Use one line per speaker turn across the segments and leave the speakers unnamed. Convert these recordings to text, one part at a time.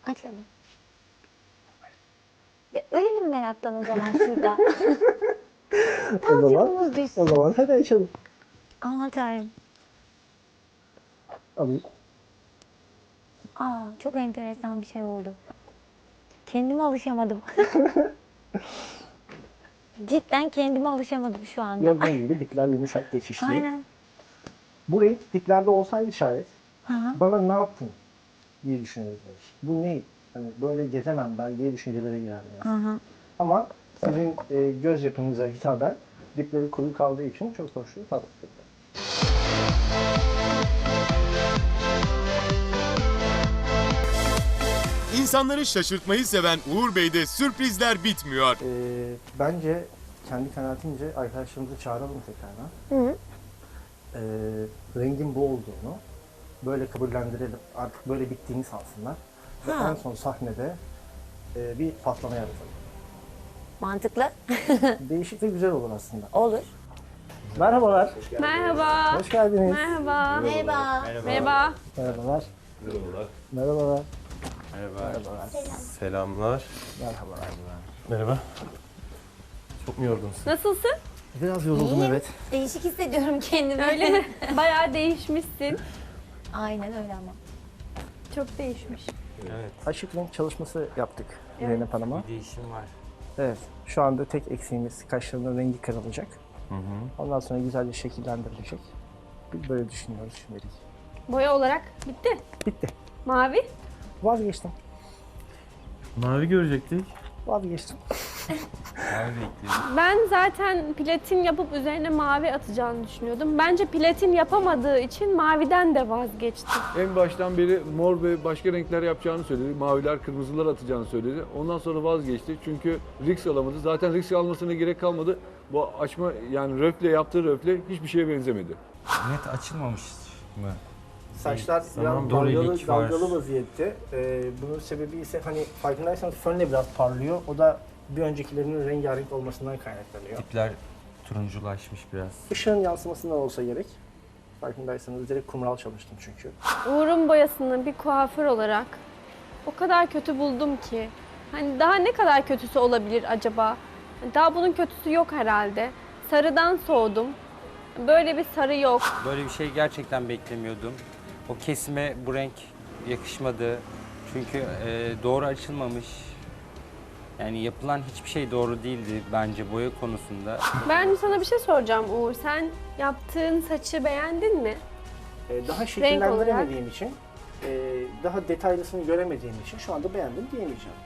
Açalım. Ya ölelim meraktan o zaman şurada. Tansiyonumuz düşsün.
O zaman hadi açalım.
Aman tanrım.
Alayım.
Çok enteresan bir şey oldu. Kendime alışamadım. Cidden kendime alışamadım şu anda.
Gördüğün gibi dipler yumuşak geçişli.
Aynen.
Bu renk diplerde olsaydı şayet
Hı hı.
bana ne yaptın diye düşünürdüm. Bu ne? Hani böyle gezemem ben diye düşüncelere girerdim. Yani.
Hı hı.
Ama sizin göz yapınıza hitaben dipleri kuru kaldığı için çok hoş bir tat.
İnsanları şaşırtmayı seven Uğur Bey'de sürprizler bitmiyor.
Bence kendi kanaatimce arkadaşlarımızı çağıralım tekrardan.
Hı.
Rengin bu olduğunu böyle kabullendirelim. Artık böyle bittiğini sansınlar. Ve
Ha.
en son sahnede bir patlama yaratalım.
Mantıklı.
Değişik ve güzel olur aslında.
Olur.
Merhabalar.
Merhaba.
Hoş geldiniz.
Merhaba.
Merhaba.
Merhaba.
Merhabalar. Merhabalar.
Merhaba. Selamlar.
Merhabalar.
Merhaba. Çok mu yorgunsun?
Nasılsın?
Biraz yoruldum evet.
Değişik hissediyorum kendimi.
Öyle mi? Bayağı değişmişsin.
Aynen öyle ama.
Çok değişmiş.
Evet.
Açık renk çalışması yaptık Zeynep Hanım'a.
Bir değişim var.
Evet. Şu anda tek eksiğimiz kaşlarının rengi kırılacak.
Hı hı.
Ondan sonra güzelce şekillendirilecek. Biz böyle düşünüyoruz şimdilik.
Boya olarak bitti.
Bitti.
Mavi.
Vazgeçtim.
Mavi görecektik.
Vazgeçtim.
Mavi renkli.
Ben zaten platin yapıp üzerine mavi atacağını düşünüyordum. Bence platin yapamadığı için maviden de vazgeçti.
En baştan beri mor ve başka renkler yapacağını söyledi. Maviler, kırmızılar atacağını söyledi. Ondan sonra vazgeçti. Çünkü risk alamadı. Zaten risk almasına gerek kalmadı. Bu açma yani röfle yaptığı röfle hiçbir şeye benzemedi.
Net açılmamış mı?
Saçlar
Tamam,
biraz
dorilik var.
dalgalı vaziyette. Bunun sebebi ise hani farkındaysanız fönle biraz parlıyor. O da bir öncekilerinin rengarenk olmasından kaynaklanıyor.
Dipler turunculaşmış biraz.
Işığın yansımasından olsa gerek. Farkındaysanız direkt kumral çalıştım çünkü.
Uğur'un boyasını bir kuaför olarak o kadar kötü buldum ki. Hani daha ne kadar kötüsü olabilir acaba? Daha bunun kötüsü yok herhalde. Sarıdan soğudum. Böyle bir sarı yok.
Böyle bir şey gerçekten beklemiyordum. O kesime bu renk yakışmadı. Çünkü doğru açılmamış. Yani yapılan hiçbir şey doğru değildi bence boya konusunda.
Ben sana bir şey soracağım Uğur. Sen yaptığın saçı beğendin mi?
Daha şekillendiremediğim için, daha detaylısını göremediğim için şu anda beğendim diyemeyeceğim.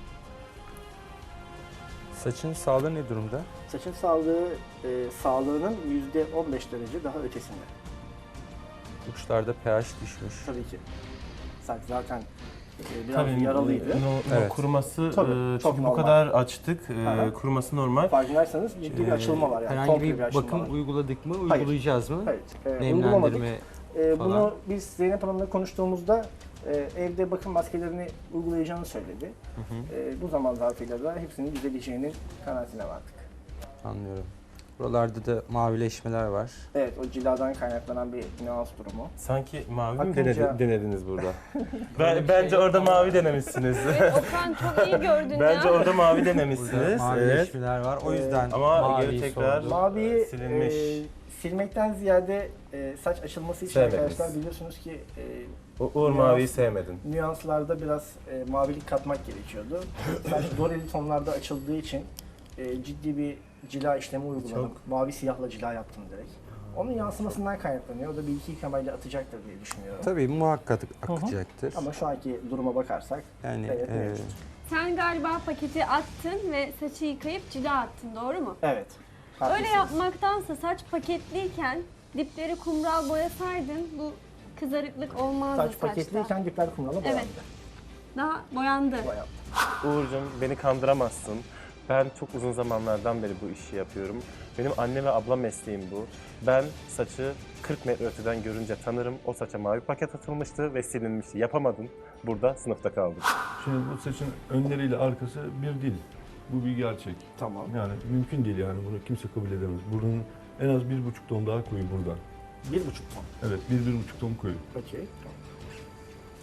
Saçın sağlığı ne durumda?
Saçın sağlığının %15 derece daha ötesinde.
Uçlarda pH düşmüş.
Tabii ki. Saç zaten biraz yaralıydı.
Evet.
Kuruması
Tabii, çok
çünkü bu
normal.
kadar açtık.
Hı.
Kuruması normal.
Farkındaysanız ciddi bir açılma var yani.
Herhangi
Komple
bir
açılma
bakım
var.
uyguladık mı?
Hayır.
Uygulayacağız mı?
Hayır. Uygulamadık.
Nemlendirme
Bunu
falan.
biz Zeynep Hanım'la konuştuğumuzda evde bakım maskelerini uygulayacağını söyledi. Bu zaman zarfıyla da hepsinin düzeleceğinin kanaatine vardık.
Anlıyorum. Buralarda da mavileşmeler var.
Evet, o ciladan kaynaklanan bir nüans durumu.
Sanki mavi mi
Akınca-
denediniz burada? Bence orada mavi denemişsiniz.
Evet, Okan çok iyi gördün
Bence
ya.
orada mavi
Burada
denemişsiniz. Evet.
mavileşmeler var. O yüzden
Ama
maviyi
geri tekrar
sordum.
Maviyi
silinmiş.
silmekten ziyade saç açılması için
Sevmediniz.
arkadaşlar biliyorsunuz ki
Uğur maviyi sevmedin.
nüanslarda biraz mavilik katmak gerekiyordu. Saç doreli tonlarda açıldığı için ciddi bir cila işlemi uyguladım. Mavi siyahla cila yaptım direkt. Onun yansımasından kaynaklanıyor. O da bir iki yıkamayla atacaktır diye düşünüyorum.
Tabii muhakkak akacaktır.
Ama şu anki duruma bakarsak
Yani
evet, mevcut.
Sen galiba paketi attın ve saçı yıkayıp cila attın, doğru mu?
Evet.
Öyle
haklısınız.
yapmaktansa saç paketliyken dipleri kumral boyasaydın bu kızarıklık olmazdı
Saç
saçta.
paketliyken dipler kumrala boyandı.
Evet. Daha boyandı.
Boyandı.
Uğur'cum beni kandıramazsın. Ben çok uzun zamanlardan beri bu işi yapıyorum. Benim anne ve abla mesleğim bu. Ben saçı 40 metre öteden görünce tanırım. O saça mavi paket atılmıştı ve silinmişti. Yapamadım. Burada sınıfta kaldım.
Şimdi bu saçın önleriyle arkası bir değil. Bu bir gerçek.
Tamam.
Yani mümkün değil yani bunu kimse kabul edemez. Bunun en az 1,5 ton daha koyu buradan.
1,5 ton.
Evet 1-1,5 ton koyu.
Okey.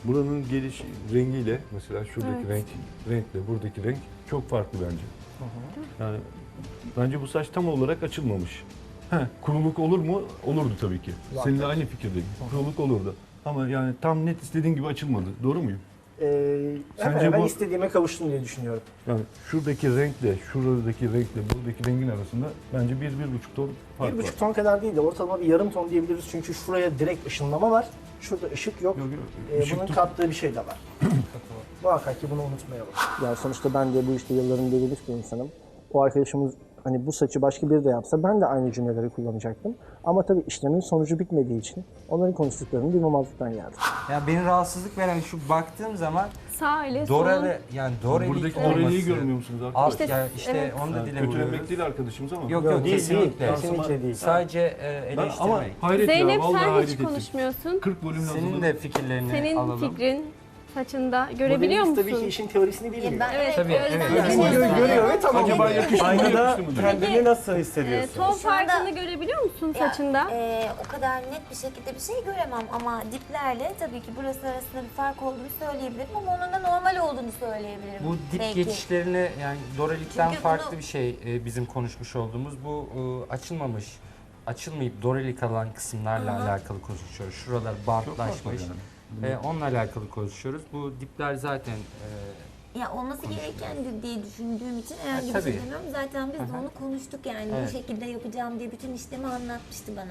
buranın geliş rengiyle mesela şuradaki renkle buradaki renk çok farklı bence. Yani bence bu saç tam olarak açılmamış. Kuruluk olur mu? Olurdu tabii ki. Seninle aynı fikirdeyim. Kuruluk olurdu. Ama yani tam net istediğin gibi açılmadı. Doğru muyum?
Sence ben
bu-
istediğime kavuştum diye düşünüyorum.
Yani şuradaki renkle, şuradaki renkle, buradaki rengin arasında bence 1-1,5 ton fark var.
1,5 ton kadar değil de ortalama bir yarım ton diyebiliriz. Çünkü şuraya direkt ışınlama var. Şurada ışık yok.
Işık
Bunun
tut-
kattığı bir şey de var. Muhakkak ki bunu unutmayalım. Yani sonuçta ben de bu işte yılların belirli bir insanım. O arkadaşımız hani bu saçı başka biri de yapsa ben de aynı cümleleri kullanacaktım. Ama tabii işlemin sonucu bitmediği için onların konuştuklarını duymamazlıktan geldim.
Ya beni rahatsızlık veren şu baktığım zaman
Sağ ile sol.
Doreli yani Doreli
Buradaki
olması.
oreliği görmüyor musunuz
Alt,
arkadaşlar?
İşte-
yani
evet.
onu da dile
Kötülemek
vuruyoruz.
değil arkadaşımız ama.
Yok
Değil,
kesinlikle.
kesinlikle değil.
Sadece
Ben ama
eleştirmek.
hayret
Zeynep
ya, vallahi
sen
hayret
hiç
ettim.
konuşmuyorsun.
40 bölüm
Senin
yazıldı.
de fikirlerini
Senin
alalım.
fikrin saçında görebiliyor
Modelimiz
musun?
tabii ki işin teorisini bilmiyor.
Evet,
Tabii,
o yüzden
evet.
de-
Görüyor ve tamam.
Acaba yakıştı mı
Aynada
yakıştı mı diyor.
kendini nasıl hissediyorsun?
ton
Şu anda-
farkını görebiliyor musun
Ya,
saçında?
o kadar net bir şekilde bir şey göremem ama diplerle tabii ki burası arasında bir fark olduğunu söyleyebilirim ama onun da normal olduğunu söyleyebilirim.
Bu dip
belki.
geçişlerini yani Dorelik'ten
Çünkü
farklı
bunu-
bir şey bizim konuşmuş olduğumuz bu açılmayıp Dorelik alan kısımlarla alakalı konuşuyoruz. Şuralar bantlaşmış. Onunla alakalı konuşuyoruz. Bu dipler zaten
Ya olması gerekendir diye düşündüğüm için herhangi bir
tabii.
şey demiyorum. Zaten biz de onu konuştuk yani
Evet.
bu şekilde yapacağım diye bütün işlemi anlatmıştı bana.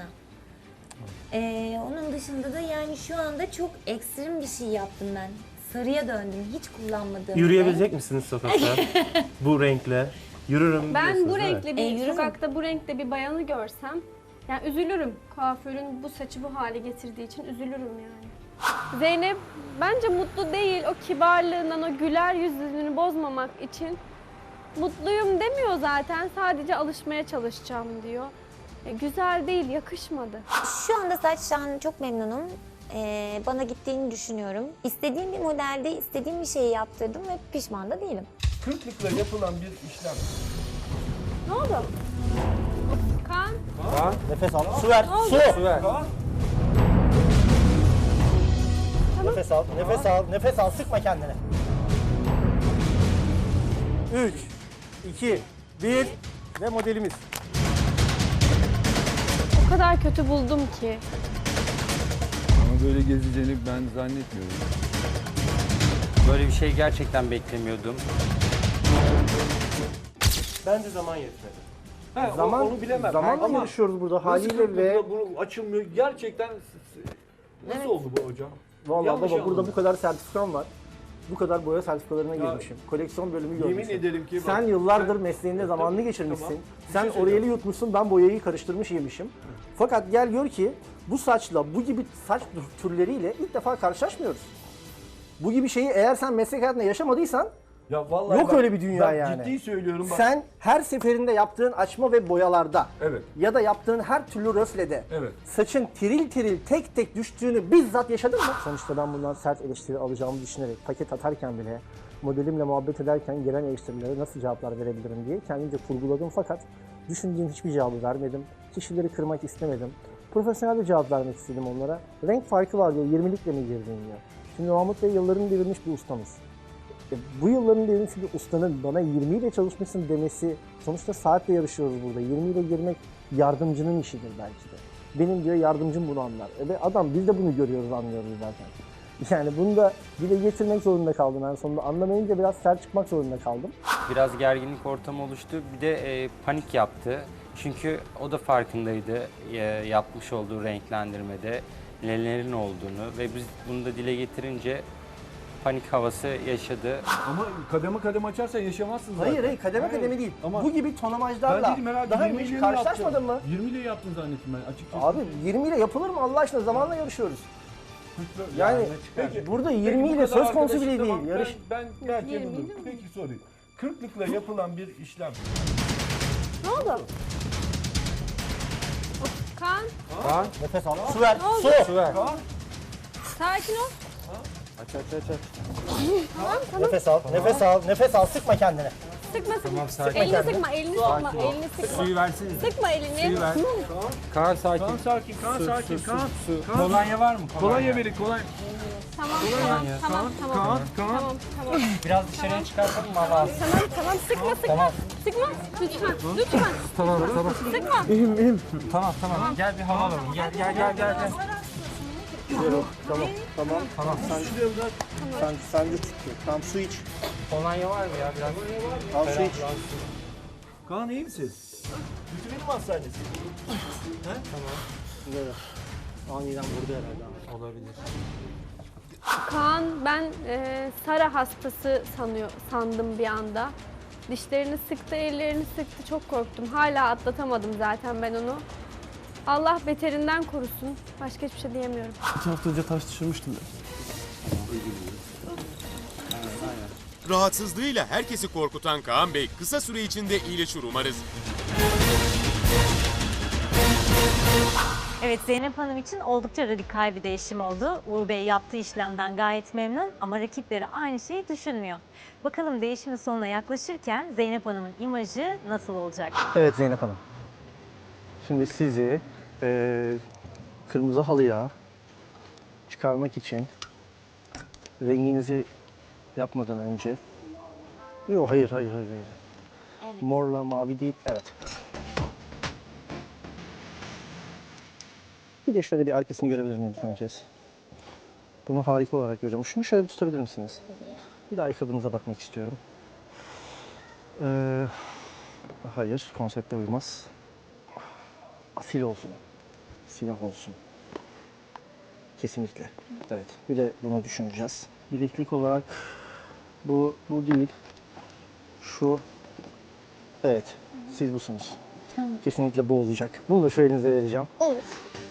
Onun dışında da yani şu anda çok ekstrem bir şey yaptım ben. Sarıya döndüm. Hiç kullanmadığım.
Yürüyebilecek misiniz sokakta bu renkle? Yürürüm
Ben
diyorsunuz,
bu
değil mi?
renkli bir
yürü mü?
sokakta bu renkte bir bayanı görsem yani üzülürüm. Kuaförün bu saçı bu hale getirdiği için üzülürüm yani. Zeynep bence mutlu değil. O kibarlığından, o güler yüzünü bozmamak için mutluyum demiyor zaten. Sadece alışmaya çalışacağım diyor. Güzel değil, yakışmadı.
Şu anda saçtan çok memnunum. Bana gittiğini düşünüyorum. İstediğim bir modelde istediğim bir şeyi yaptırdım ve pişman da değilim.
Kırklıkla yapılan bir işlem.
Ne oldu? Kan,
Nefes al. Su ver. Su.
ver.
Nefes al. Nefes al. Nefes al. Sıkma kendini. 3, 2, 1 ve modelimiz.
o kadar kötü buldum ki.
Ama böyle gezeceğini ben zannetmiyorum.
Böyle bir şey gerçekten beklemiyordum.
Bence zaman yetmedi.
Zaman,
onu bilemem.
zamanla
Ama
yarışıyoruz burada
Nasıl
haliyle
kırklıkla
ve
bu açılmıyor? Gerçekten nasıl oldu bu hocam?
vallahi
Yanlış
baba burada
anladım.
bu kadar sertifikam var. Bu kadar boya sertifikalarına
Ya,
girmişim. Koleksiyon bölümü
Yemin
görmüşüm.
ederim ki bak,
Sen yıllardır
sen-
mesleğinde zamanını
Tabii,
geçirmişsin.
tamam. Bir
Sen
şey söyleyeceğim.
Oriel'i yutmuşsun, ben boyayı karıştırmış yemişim. Fakat gel gör ki bu saçla, bu gibi saç türleriyle ilk defa karşılaşmıyoruz. Bu gibi şeyi eğer sen meslek hayatında yaşamadıysan
Ya vallahi
yok
bak,
öyle bir dünya
ben
yani.
Ciddi söylüyorum bak.
sen her seferinde yaptığın açma ve boyalarda
Evet.
ya da yaptığın her türlü röflede
Evet.
saçın tiril tiril tek tek düştüğünü bizzat yaşadın mı? Sonuçta ben bundan sert eleştiri alacağımı düşünerek paket atarken bile modelimle muhabbet ederken gelen eleştirilere nasıl cevaplar verebilirim diye kendimce kurguladım fakat düşündüğüm hiçbir cevabı vermedim. Kişileri kırmak istemedim. Profesyonel bir cevap vermek istedim onlara. Renk farkı var diyor, 20'likle mi girdin diyor. Şimdi Mahmut Bey yıllarını devirmiş bir ustamız. Bu yılların devirmiş bir ustanın bana 20 ile çalışmışsın demesi, sonuçta saatle yarışıyoruz burada. 20 ile girmek yardımcının işidir belki de. Benim diyor yardımcım bunu anlar. Ve adam biz de bunu görüyoruz, anlıyoruz zaten. Yani bunu da dile getirmek zorunda kaldım en sonunda. Anlamayınca biraz sert çıkmak zorunda kaldım.
Biraz gerginlik ortamı oluştu. Bir de panik yaptı. Çünkü o da farkındaydı yapmış olduğu renklendirmede nelerin olduğunu ve biz bunu da dile getirince panik havası yaşadı.
Ama kademe kademe açarsan yaşamazsın zaten.
Hayır kademe kademe değil.
Ama
Bu gibi
ben
tonamajlarla
dedim herhalde
daha
20
önce
ile
hiç
mi
karşılaşmadın mı?
yaptın? 20 ile yaptın zannettim ben açıkçası.
Abi 20 ile yapılır mı Allah aşkına, zamanla yarışıyoruz. Yani
Peki,
burada
peki
20
bu
ile
kadar
söz konusu bile
arkadaşım,
değil.
tamam,
Yarış.
Ben belki
20
yapılır.
ile mi?
Peki sorayım. Kırklıkla yapılan bir işlem.
Ne oldu? Kan,
Nefes al. Su ver. Su.
ver.
sakin ol.
Nefes al. Nefes al. Nefes al. Sıkma kendini.
Sıkma sıkma.
Tamam, sakin.
Elini sıkma, elini sıkma, elini sıkma.
Suyu versene.
Sıkma elini.
Suyu ver. Kaan sakin.
Kaan sakin, Kaan sakin, Kaan.
Kolonya var mı?
Kolonya verin, kolonya.
Tamam, tamam.
Biraz dışarıya çıkartalım mı hava alsın?
Tamam, sıkma. Sıkma, lütfen.
Tamam.
Sıkma.
Tamam. Gel bir hava alalım. Gel.
Tamam. Sen de tutuyor. Tamam, su iç.
Kolonya var mı ya biraz?
Al su iç.
Kaan iyi misin? Bütünün mü hastanesi?
Böyle. Aniden vurdu herhalde.
Olabilir.
Kaan, ben Sara hastası sandım bir anda. Dişlerini sıktı, ellerini sıktı. Çok korktum. Hala atlatamadım zaten ben onu. Allah beterinden korusun. Başka hiçbir şey diyemiyorum.
2 hafta önce taş düşürmüştüm ben.
Rahatsızlığıyla herkesi korkutan Kaan Bey kısa süre içinde iyileşir umarız.
Evet, Zeynep Hanım için oldukça radikal bir değişim oldu. Uğur Bey yaptığı işlemden gayet memnun ama rakipleri aynı şeyi düşünmüyor. Bakalım değişimin sonuna yaklaşırken Zeynep Hanım'ın imajı nasıl olacak?
Evet Zeynep Hanım. Şimdi sizi kırmızı halıya çıkarmak için renginizi yapmadan önce... Yok hayır. Morla mavi değil, evet. Bir de şöyle bir arkasını görebilir miyim önce? Bunu harika olarak görüyorum. Şunu şöyle bir tutabilir misiniz? Bir daha ayakkabınıza bakmak istiyorum. Hayır, konsepte uymaz. Asil olsun. Siyah olsun. Kesinlikle. Evet. Bir de bunu düşüneceğiz. Bileklik olarak bu değil. Şu. Evet. Siz busunuz. Kesinlikle bu olacak. Bunu da şu elinize vereceğim.